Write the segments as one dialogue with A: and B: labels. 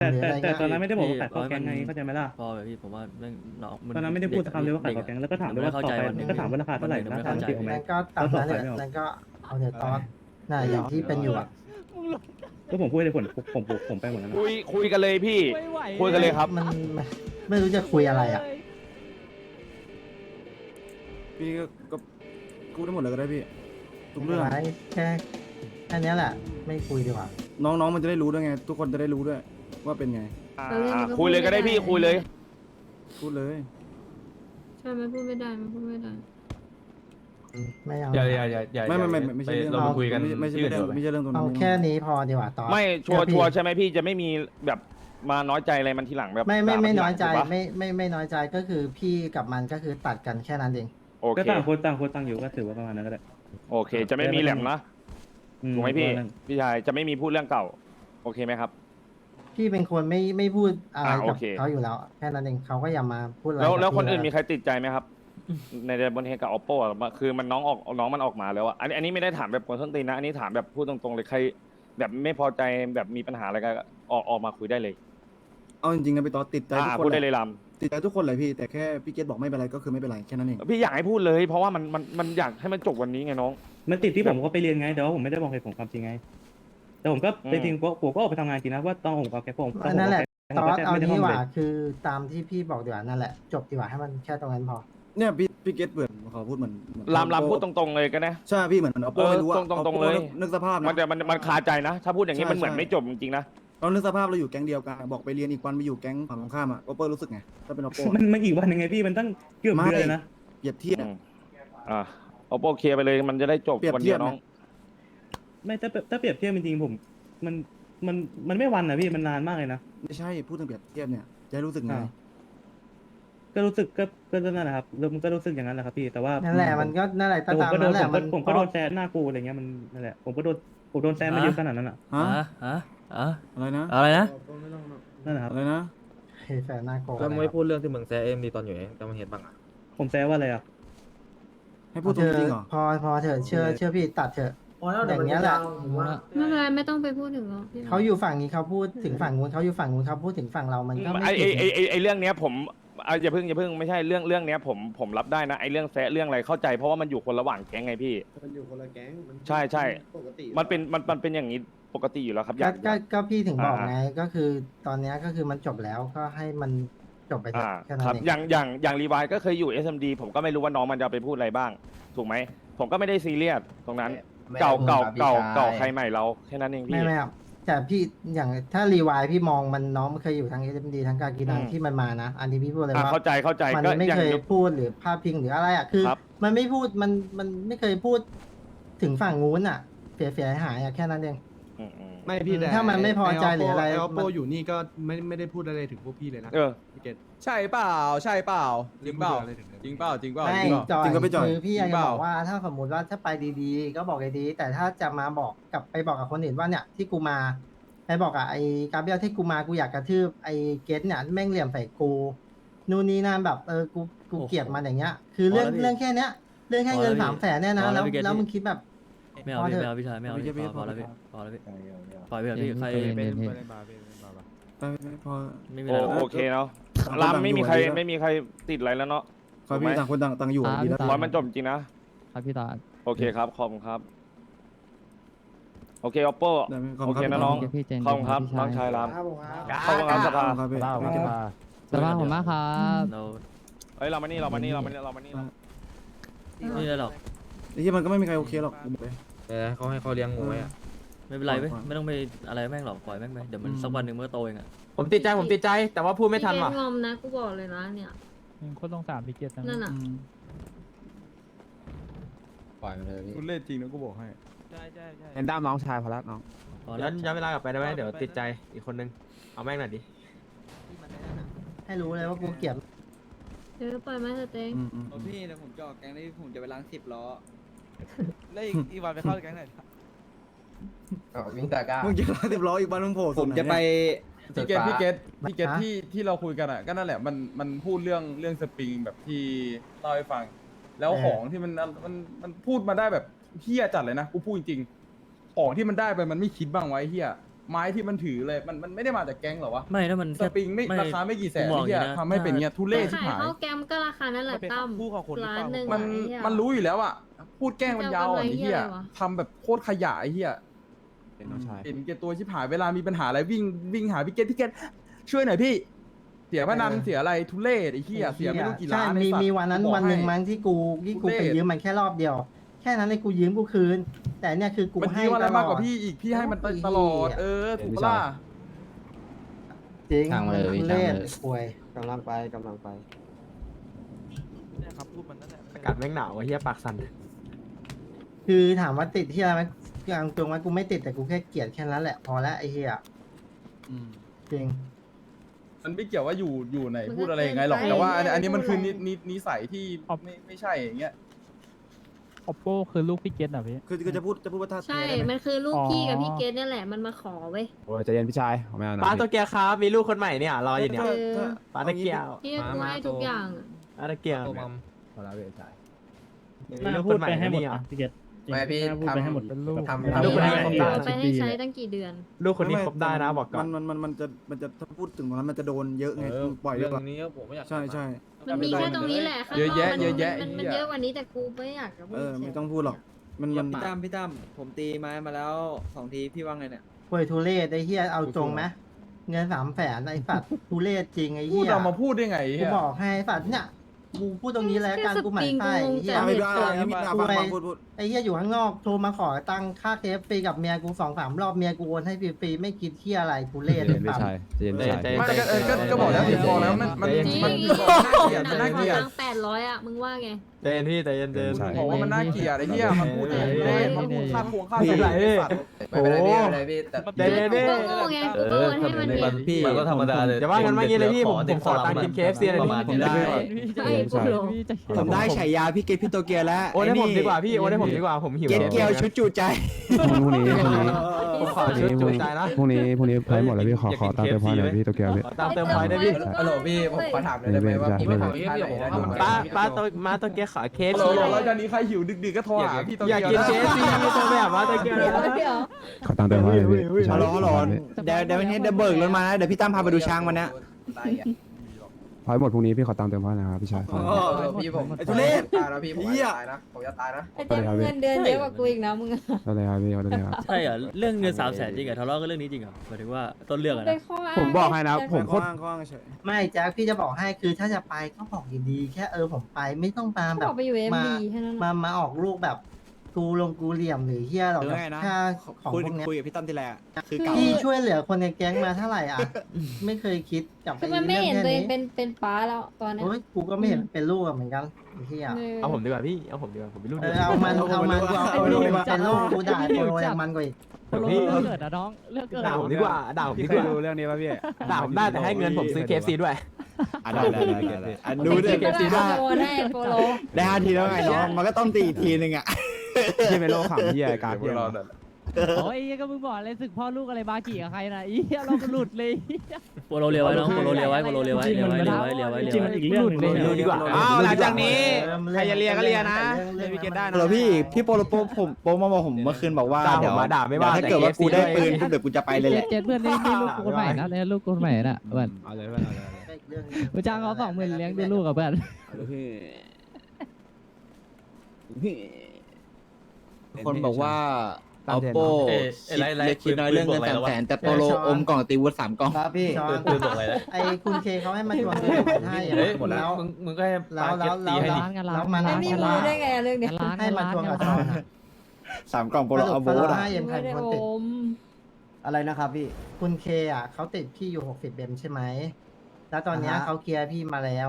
A: หรือ
B: แต่
A: อะไร
B: แต่
A: เงี้ย
B: ตอนนั้นไม่ได้บอกว่าขาย
C: พี่
B: ข้าวแกงไงเข้าใจไหมล่ะ
C: พอแบบพี่ผมว่าแม่งน้อง
B: ตอนนั้นไม่ได้พูดสักคำเลยว่าขายข้าวแกงแล้วก็ถามด้วยว่าต่อไปก็ถามว่าราคาเท่าไหร่นะถามว่าติดไหม
A: นั่นก็ตามนั้นแหละนั่นก็เอาเถอะตอนน่ะอย่างที่เป็นอยู่อะ
B: ก็ผมพูดเลยผมไปหมดแล้วนะ
D: คุยกันเลยพี่ คุยกันเลยครับ
A: มันไม่รู้จะคุยอะไรอ่ะ
E: พี่ก็พูดได้หมดเลยก็ได้พี่ทุกเรื่อง
A: ไว้แค่นี้แหละ ไม่คุยดีกว่า
E: น้องๆมันจะได้รู้ด้วยไง ทุกคนจะได้รู้ด้วยว่าเป็นไง
D: คุยเลยก็ได้พี่คุยเลย
E: พูดเลย
F: ใช่มันพูดไม่ได้มันพูดไม่ได้
A: ไม่เอา
G: อย่า
E: ไม่ใช่เรื่อง
G: เรามาคุยกัน
E: ไม่ใช่เรื่องไม่ใช่เรื่องตรง
A: เอา
E: นั้น
A: แค่นี้พอดีกว่าตอน
D: ไม่ชัว
A: เชื่อพี่
D: ร์ใช่ไหมพี่จะไม่มีแบบมาน้อยใจอะไรมันทีหลังแบบ
A: ไม่
D: ด่ามั
A: น้อยใจ
D: ทีหลังถูกปะ
A: ไม่น้อยใจก็คือพี่กับมันก็คือตัดกันแค่นั้นเอง
D: โอ
B: ก็
D: เค
B: ต่างคนต่างอยู่ก็ถือว่าประมาณนั้นก็ได้
D: โอเค จะไม่มีแหลมนะถูกไหมพี่
B: ประาณนั้น
D: พี่ชายจะไม่มีพูดเรื่องเก่า โอเคไหมครับ
A: พี่เป็นคนไม่พูดอะไร
D: โอ
A: กับ
D: เค
A: เขาอยู่แล้ว แค่นั้นเองเขาก็อย่ามาพูดอะไร
D: แล้ว
A: กับ
D: แล้วคน
A: พี่
D: อื่น
A: เลย
D: มีใครติดใจไหมครับ ในบนเฮกับ oppo อ่ะคือมันน้องมันออกมาแล้วอ่ะอันนี้ไม่ได้ถามแบบคนส้นตีนนะอันนี้ถามแบบพูดตรงๆเลยใคร แบบไม่พอใจแบบมีปัญหาอะไรก็ออกมาคุยได้เลย
E: เอาจริงๆนะพี่ต๊อดติดใจทุกค
D: พู
E: น
D: ดได้เลยล
E: ติดใจทุกคนเลยพี่ แต่แค่พี่เกตบอกไม่เป็นไรก็คือไม่เป็นไรแค่นั้นเอง
D: ำพี่อยากให้พูดเลย เพราะว่ามันอยากให้มันจบวันนี้ไงน้อง
B: มันติดที่ผมก็ไปเรียนไงแต่ว่าผมไม่ได้บอกเหตุผลความจริงไง แต่ผมก็ไปจริงผมก็ออกไปทำงานจริงนะว่าต้องผมกับแกผม
A: นั่นแหละตอนเอา
B: ไม่ได้
A: นี้
B: ห้
A: ดี
B: อง
A: ก
B: เล
A: ว่าย คือตามที่พี่บอกดีกว่านั่นแหละจบดีกว่าให้มันแค่ตรงนั้นพอ
E: เนี่ยพี่เกตเปิดขอพูดเหมือน
D: ลำพูดตรงๆเลยก็นะ
E: ใช่พี่เหมือนเอาโป้ไม่รู้ว่า
D: ตรงๆเลย
E: นึกสภาพ
D: มัน
E: นะ
D: จะมันคาใจนะ ถ้าพูดอย่างนี้
E: ใช่
D: มันเหมือน
E: ใช่
D: ไม่จบจริงๆนะ
E: เรานึกสภาพเราอยู่แก๊งเดียวกันบอกไปเรียนอีกวันไปอยู่แก๊งฝั่งตรงข้ามอ่ะโอเปอร์รู้สึกไงถ้าเป็นโอโป้
B: มันอีกวันยังไงพี่มันตั้งเกือบเดือนเลยนะ
E: เปรียบเทียบ
D: เอาโปเคลียร์ไปเลยมันจะได้จบ
E: เปรียบ
D: วัน
E: เที
D: เดี
E: ย
D: ย
E: บ
D: วน้อง
E: นะ
B: ไม่ถ้าเปรียบเทียบจริงๆผมมันมันไม่วันนะพี่มันนานมากเลยนะ
E: ไม่ใช่พูดถึงเปรียบเทียบเนี่ยจะให้รู้สึกไง
B: ก็รู้สึกก็นั่นแหละครับมันก็รู้สึกอย่างนั้นแหละครับพี่แต่ว่า
A: นั่นแหละมันก็นั่นแหละ
B: แต่ผม
A: ตาม
B: ก็โด
A: นั้น
B: น
A: แหละมัน
B: ผมก็โดนแซนหน้ากูอะไรเงี้ยมันนั่นแหละผมโดนแซนมาเยอะขนาดนั้นอ่ะ
E: ฮะ
C: อะไรนะ
E: อะไรนะ
B: นั่นแหละครับ
E: อะไรนะ
A: เฮ้ยแฟนหน้าโกง
G: แล้วมึงไม่พูดเรื่องที่มึงแซะเอ็มดีตอนอยู่ไงแต่มึงเห็นบ้างอ่ะ
B: ผมแซวว่าอะไรอ่ะ
E: ให้พูดตรงจริงเหรอ
A: พอเถอะเชื่อพี่ตัดเถอะอย่างเงี้ยแหละ
F: ไม่เป็นไรไม่ต้องไปพูดถึงหรอกพี่
A: เขาอยู่ฝั่งนี้เขาพูดถึงฝั่งนู้นเขาอยู่ฝั่งนู้นเขาพูดถึงฝั่งเรามันก็ไม่ผิดไง
D: ไอเรื่องเนี้ยผมอย่าเพิ่งไม่ใช่เรื่องเนี้ยผมรับได้นะไอเรื่องแซะเรื่องอะไรเข้าใจเพราะว่ามันอยู่คนละหว่างแก๊งไงพี่
H: มันอยู่คนละแก๊งมัน
D: ใช่
H: ปกติ
D: มันเป็นอย่างนี้ปกติอยู่แล้วครับอ
A: ก็
D: ยาก
A: ก็พี่ถึงบอกไงก็คือตอนเนี้ยก็คือมันจบแล้วก็ให้มันจบไปเถอะแค่นั้
D: ครั
A: น
D: บ
A: เอง
D: อย่างรีวายก็เคยอยู่ SMD ผมก็ไม่รู้ว่าน้องมันจะไปพูดอะไรบ้าง ถูกไหมผมก็ไม่ได้ซีเรียสตรงนั้น เก่าใครใหม่เราแค่นั้นเองพี่
A: ไม่ครับแต่พี่อย่างถ้ารีวายพี่มองมันน้องมันเคยอยู่ทั้ง SMD ทั้งกากีนัง
D: อืม
A: ที่มันมานะ อันนี้พี่พูดเลยว่า
D: เข้าใจ
A: มัน
D: ก็
A: ไม่
D: อย่าง
A: เคยพูดหรือพาดพิงหรืออะไรอ่ะคือ
D: ครับ
A: มันไม่พูดมันไม่เคยพูดถึงฝั่งนู้นอ่ะเสียหายอ่ะแค่นั้นเอง
D: อืม
H: ไม่พี่แต่
A: ถ้ามันไม่พอใจหรืออะไร
H: ไอโอ
A: มั
H: โป
A: น
H: อยู่นี่ก็ไม่ได้พูดอะไรถึงพวกพี่เลยนะ
D: เออ
H: พี่เกต
G: ใช่เปล่าจริงเปล่า
H: ไม่ได้พูดอะไรถึงเลย
G: จริงเปล่าจริงเปล่า
A: ไม่
G: จริงเปล่า
A: จอย
E: จริงก็ไม่จอย
A: คือพี่อยาก
G: จริง
A: จะ
G: เปล่า
A: บอกว่าถ้าสมมติว่าถ้าไปดีๆ ก็บอกดีๆแต่ถ้าจะมาบอกกับไปบอกกับคนอื่นว่าเนี่ยที่กูมาไปบอกกับไอ้กาเบรียลที่กูมากูอยากกระทืบไอ้เกตเนี่ยแม่งเหลี่ยมใส่กูนู่นนี่นั่นแบบกูเกลียดมันอย่างเงี้ย คือเรื่องแค่เนี้ยเรื่องแค่เงิน300,000เนี่ยนะแล้วมึงคิดแบบ
C: ไม่เอาพี่ไม่เอาพี่ชายไม่เอาพี่พอแล้วพี่พอแล้วพี่ปล่อยไปเถอะพี่ใคร
H: เป็น
E: ไม่พอ
C: ไม่มีอะไรหรอก
D: โอเคเนาะ
E: ต่างคน
D: ราม
E: ต่าง
D: ไม่มี
E: อยู่
D: ใคร
E: ดีแล้ว
D: ไม่มีใครติดอะไรแล้วเนาะ
E: ขอให้พี่ต่างคนต่างอยู่ดีแล้ว
D: ขอให้มันจบจริงนะครับ
I: พี่ตา
D: โอเคครับขอบคุณครับ โอเค oppo
E: ได้ไหมขอบ
D: โอ
E: คุณ
D: เค
E: ครับ
D: นะน้อง
I: พี่เจน
D: ขอบคุณครับน้องชายราม
H: ครับผมครับ
D: ขอบคุณครับสภา
E: ครับพี่
I: สภาพผมมากครับ
C: เรา
D: เฮ้ยเรามานี่เรามานี่เรามานี่เรามานี่
C: ไม่ได้หรอก
E: ไอ้ที่มันก็ไม่มีใครโอเคหรอกกูบอกเลย
G: เขาให้เขาเลี้ยงงูไว้อะ
C: ไม่เป็นไรเว้ยไม่ต้องไปอะไรแม่งหรอกปล่อยแม่งไปเดี๋ยวมันสักวันหนึ่งมันก็โตเองอ่ะ
G: ผมติดใจแต่ว่าพูดไม่ทันว่ะ
F: พี่เกตงอมนะกูบอกเลยนะเนี่ย
I: คนลง3พี่เกียรติ
F: นั่นน่ะ
G: ปล่อยไปเลยพี่
H: คุณเล่นจริงนะกูบอกให้
G: เห็นด้ามน้องชายพอแล้วน้อง
C: พอแล้ว
G: ย้อนเวลากลับไปได้ไหมเดี๋ยวติดใจอีกคนนึงเอาแม่งหน่อยดิ
A: ให้รู้เลยว่ากูเกลียด
F: เดี๋ยวปล่อยมาเถอะเต็ง
J: พี่เดี๋ยวผมจะออกแก๊งนี้ผมจะไปล้าง10 ล้อ แล้วอีกวันไปเข้าแก๊งไหน
G: วิ่งตะก้า
E: มึงจะร้อย10 ล้ออีกบ้านมึงโผล่
J: ผมจะไป
G: พี่เกตที่เราคุยกันอ่ะก็นั่นแหละมันพูดเรื่องสปริงแบบที่เล่าให้ฟัง แล้วของที่มันพูดมาได้แบบเฮี้ยจัดเลยนะกูพูดจริงๆของที่มันได้ไปมันไม่คิดบ้างไว้เฮี้ยไม้ที่มันถือเลยมันไม่ได้มาจากแก๊งเหรอวะ
C: ไม่ถ้ามัน
G: ส
C: แค่
G: ปริงไม่ราคาไม่กี่แสน
C: ผมบอก
G: ที่
C: อย่างนี้นะ
G: ทำให้เป็นเงี้ยทุเรศ
F: ขาย
G: ที่หาย
F: ข้าวแกมก็ราคานั้นแหละตั้มร้านหนึ่ง
G: มัน
F: ไอ้เหี้ย
G: มันรู้อยู่แล้วอะพูดแกล้งมันยาวอ่ะ
F: จะเอา
G: ไอ้
F: กำไร
G: เหี้ย
F: อะไรวะ
G: ทำแบบโคตรขยะไอ้เหี้ยเห็นแก่ตัวชิบหายเวลามีปัญหาอะไรวิ่งหาพี่เกตช่วยหน่อยพี่ เสียพนันเสียอะไรทุเรศไอ้เหี้ยเสียไม่รู้กี่ล้าน
A: ใช่
G: ไอ้สัตว์
A: มีวันนั้น
G: กูบอก
A: วันหนึ่ง
G: ให้
A: มั้งที่กู
G: ทุเรศ
A: ไปยืมมันแค่รอบเดียว แค่นั้นเลยกูยืมกูคืน แต่เนี่ยคือกู
G: มัน
A: ให้
G: ยืมอะไร
A: ตล
G: มาก
A: อด
G: กว่าพี่อีกพี่ให้มันตลอดถูกปะล่ะ
A: จริง
I: ช่างมาเลย
A: ทุเรศ
I: ช่างมาเลย
A: ป่วย
H: กำลังไปกำลังไป
J: เนี่ยครับพูดมันนั่นแหละ
H: อากาศแม่งหนาวเฮียปากสั่น
A: คือถามว่าติดที่อะไรไหมกลางตรงว่ากูไม่ติดแต่กูแค่เกลียดแค่นั้นแหละพอแล้วไอ้เหี้ยจริง
G: มันไม่เกี่ยวว่าอยู่ไหน
F: มันก็
G: พูดอะไรยังไงหรอก
F: เกินไป
G: แต่ว่าอันนี้มันคือ
F: พูดอะไร
G: นิสัยที่ไม่ใช่อย่างเงี้ย
I: oppo คือลูกพี่เกตอ่ะพี่
E: คือจะพูดว่าถ้า
F: ใช่
E: เทได้ไหม
F: มันคือลูก
I: อ๋อ
F: พี่กับพี่เกดเนี่ยแหละมันมาขอเว้ย
H: โอ้ยใจเย็นพี่ชายไม่เอานะ
I: ป้าตัวแกครับมีลูกคนใหม่เนี่ยรออยู่เนี่ย
E: ถ้า
I: ป้าตะเกียว
F: พี่กูให้ทุกอย่างอะ
I: ป้าตะเกียว
H: พอแล้วพี่ชาย
B: น่าพูดไปให้หมดนะพี่เกต
I: ไม่พี่
B: น่าพูดไปให้หมด
I: เป็นลูก
H: ทำ
I: ลูกคนนี้
F: เอา
I: ครบได้
F: ไปให้ใช้ตั้งกี่เดือน
I: ลูกคนนี้ครบได้นะบอกก่อน
E: มันจะถ้าพูดถึงตรงนั้นมันจะโดนเยอะไงปล่อยเยอะกว่า
H: นี้ผมไม่อยาก
E: ใช่ใช่
F: มันมีแค่ตรงนี้แหละข้างน
G: เยอะ
F: อก
G: แยะ
F: มัน
G: เยอะแยะ
F: มัน
G: ไอ้เหี้ย
F: เยอะกว่านี้แต่กูไม่อยากจะพูด
E: ไม่ต้องพูดหรอกมัน
J: พี่ตั้มผมตีไม้มาแล้ว2 ทีพี่ว่าไงเนี่ย
A: ป่วยทุเรศไอ้เหี้ยเอาตรงไหมเงิน300,000ไอ้สัตว์ทุเรศจริงไอ้
G: พูด
A: เหี้ย
G: เรามาพูดได้ไง
A: กู
G: เหี้ย
A: บอกให้ไอ้สัตว์เนี่ยกูพูดตรงนี้แล้วกันกูหมายไส้ไอ้เหี้ย
E: ไม่ได้ไม่ได้ฟังพูด
A: ไอ้เหี้ยอยู่ข้างนอกโทรมาขอตังค่าเคฟฟรีกับเมียกู2-3 รอบเมียกูโอนให้ฟรีๆไม่คิดเที่ยอะไรทุเรศไอ้สัตว์
G: ไม่ก็บอกแล้วบอกแล้วมัน
F: จริง
G: มันน่าเกลียด
F: ตัง800อ่ะมึงว่าไง
I: ใจเย็นพี่ใจเย็น
G: บอกว่ามันน่าเกลียดไอ้เหี้ยมันพูดเองมันพูดค่าควงค่า
I: พี่
G: ส
I: ไหล
G: ไอ้สัตว์
I: ไม่เป็นไรพี่ไม่เป็นไรพี่ใจเย็น
F: กู
I: พี่
F: ก็โง่ไงกูก็โอนให้มันเอง
I: พี่มันก็ธรรมดาเลยอย่าว่ากันว่างี้เลยพี่ผมขอตังค์กิน KFC เลยพี่
F: ไอ้กูหลง
H: ผมได้ฉายาพี่เกตพี่โตเกียวแล้ว
I: โอนให้ผมดีกว่าพี่โอนให้ผมดีกว่าผมหิว
H: เกตเกียวชุดจูใจ
I: พรุ่งนี้ขอชุดจุใจนะ
K: พรุ่งนี้ไพหมดแล้วพี่ขอตามเต็มพอยหน่อยพี่ตัวแก้วพี่
I: ขอตามเติมพอยได้พี่
F: ฮัลโหลพี่ผมขอถาม
K: ได้ไหมว่าพี่ไม่ถาม
I: ป้าตัวแกขอ KFC
G: แล้วจากนี้ใครหิวดึกๆก็โทรหาพี่ตัว
I: อยากกิน KFC ตัวแบบว่าตัวแก
F: เดี๋ยว
K: ขอตามเต็มพอยหน่อยพี่พี่ชาย
H: ฮัลโหลเดี๋ยววันนี้เดี๋ยวเบิกรถมานะเดี๋ยวพี่ตั้มพาไปดูช้างวันนี้
K: พอยหมดพรุ่งนี้พี่ขอตามเต็มพอยนะครับพี่ชาย
H: พี่ผมไอ้ทุเรศตายนะพี่ผมตายนะผมจะตายนะ
F: ไอ้เจ๊เงินเดือนเยอะกว่ากูอีกนะมึงอะ
K: ได้เลยครับพี่ได้เลยครับ
C: ใช่เหรอเรื่องเงิน300,000จริงเหรอทะเลาะกันเรื่องนี้จริงเหรอหมายถึงว่าต้นเรื่องอะ
F: เป็
C: นะ
F: นข้ออ้าง
K: ผมบอกให้นะผมโคตร
E: ข้างเฉย
A: ไม่แจ๊คพี่จะบอกให้คือถ้าจะไปก็บอกดีๆแค่ผมไปไม่ต้องตาม
F: เขา
A: แบบ
F: บอกไปอยู่
A: มา
F: MD แค่นั้น
A: มาออกลูกแบบกูลงกูเหลี่ยมหรือเฮียหรอกแบบค่าของพวกเนี้ย
H: คุยกับพี่ตั้มทีแรกคือ
A: พี่ช่วยเหลือคนในแก๊งมาเท่าไหร่อ่ะ ไม่เคยคิดกับ
F: คือมันไม่เห็นตัวเองเป็นป้าแล้วตอนเนี้ย
A: โอ้ยกูก็ไม่เห็นเป็นลูกเหมือนกันไอ้เฮีย
I: เอาผมดีกว่าพี่เอาผมดีกว่าผมเป็นลูก
A: เอามันกูเอาลูกมาเป็นลูกกูด่าโปรยังมันกว่าอีก
I: พี่เกิดนะน้องเลือกเกิดด่าผมดีกว่าด่าผมดีกว่า
K: รู้เรื่องนี้ป่ะพี่
I: ด่าผมได้แต่ให้เงินผมซื้อ KFC ด้วย
H: ได้ดูดิ
F: เก็บซีได้โอนให้โปโล
H: ได้5 ทีแล้วไงน้องมันก็ต้องตีอีกทีนึงอ่ะ
K: ที่เป็นโรคขำที่การพี่
I: โอ้ยก็มึงบอกเลยศึกพ่อลูกอะไรบากี่กับใครนะอีเราหลุดเลย
C: โปโลเรียวไว้น้องโปโลเรียวไว้โปโลเรียวไว้เรียวไว้เรียวไว้เรียวไว้
B: จริงมันอีกเรื่องหนึง
I: เร็วดีกว่า
A: หลังจากนี้ใครจะเลียก็เลียนะเลียพี่เกดได้นะ
H: เหรอพี่โปโลโปมาบอกผมเมื่อคืนบอกว่า
I: ด่าผมมาด่าไม่ว่า
H: ถ้าเกิดว่ากูได้ปืนเดี๋ยวกูจะไปเลยแหละ
I: เจ็ดเพื่อนนี่ลูกคนใหม่นะเลยลูกคนใหม่น่ะเพื่อน
K: เอาเลยเอาเลย
I: กูจ้างเขา20,000เลี้ยงดูลูกกับเพื่อน
H: คนบอกว่าOppo คิดน้อยเรื่องเงิน300,000แต่โปโลอมกล่องตีวุฒิ3 กล่อง
A: ครับพี่ไอ้คุณเคเขาให้มาชวนเงินให้หมดแล้วมึงก็ให้แล้วมา
F: ไอ้นี่รู้ได้ไงเรื่องเนี้ย
A: ให้มาชวนกับช่อง
H: 3 กล่องโปโลเอาโบส
A: ให้เอ็มใคร
F: ไม่
A: เป็
F: ได้
A: นคนติด
F: อม
H: อะไรนะครับพี่
A: คุณเคเขาติดพี่อยู่60เบมใช่ไหมแล้วตอนนี้เขาเคลียร์พี่มาแล้ว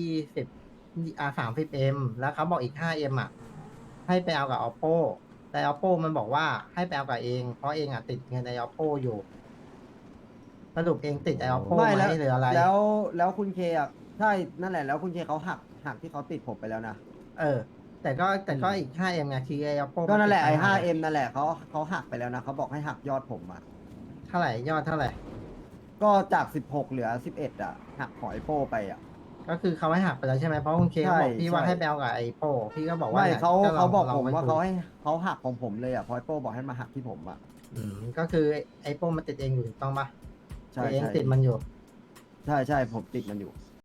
A: 30เอ็มแล้วเขาบอกอีก5เอ็มให้ไปเอากับ oppo แต่ oppo มันบอกว่าให้ไปเอากับเองเพราะเองติดเงินใน oppo อยู่สรุปเองติดไอ oppo ไหมหรืออะไร
H: แล้วคุณเคใช่นั่นแหละแล้วคุณเคเขาหักที่เขาติดผมไปแล้วนะ
A: แต่ก็อีก5เอ็มไงคือไอ oppo
H: ก็นั่นแหละไอ้ 5M นั่นแหละเขาหักไปแล้วนะเขาบอกให้หักยอดผมอ่ะ
A: เท่าไหร่ยอดเท่าไหร่
H: ก็จาก16เหลือ11อ่ะหักหอยโป้ไปอ่ะ
A: ก็คือเขาให้หักไปแล้วใช่ไหมเพราะคุณเคเขาบอกพี่ว่าให้ไปเอากับไอโป้พี่ก็บอกว่า
H: ไม่เขาบอกผมว่า
A: ลง
H: เขาหักของผมเลยอ่ะพอยโป้บอกให้มาหักที่ผมอ่ะ
A: ก็คือไอ้โป้มันติดเองอยู่ถูกต้องปะ
L: ใช่
A: ตัวเอง
L: ใช่
A: ติดมันอยู่
L: ใช่ใช่ผมติดมันอยู่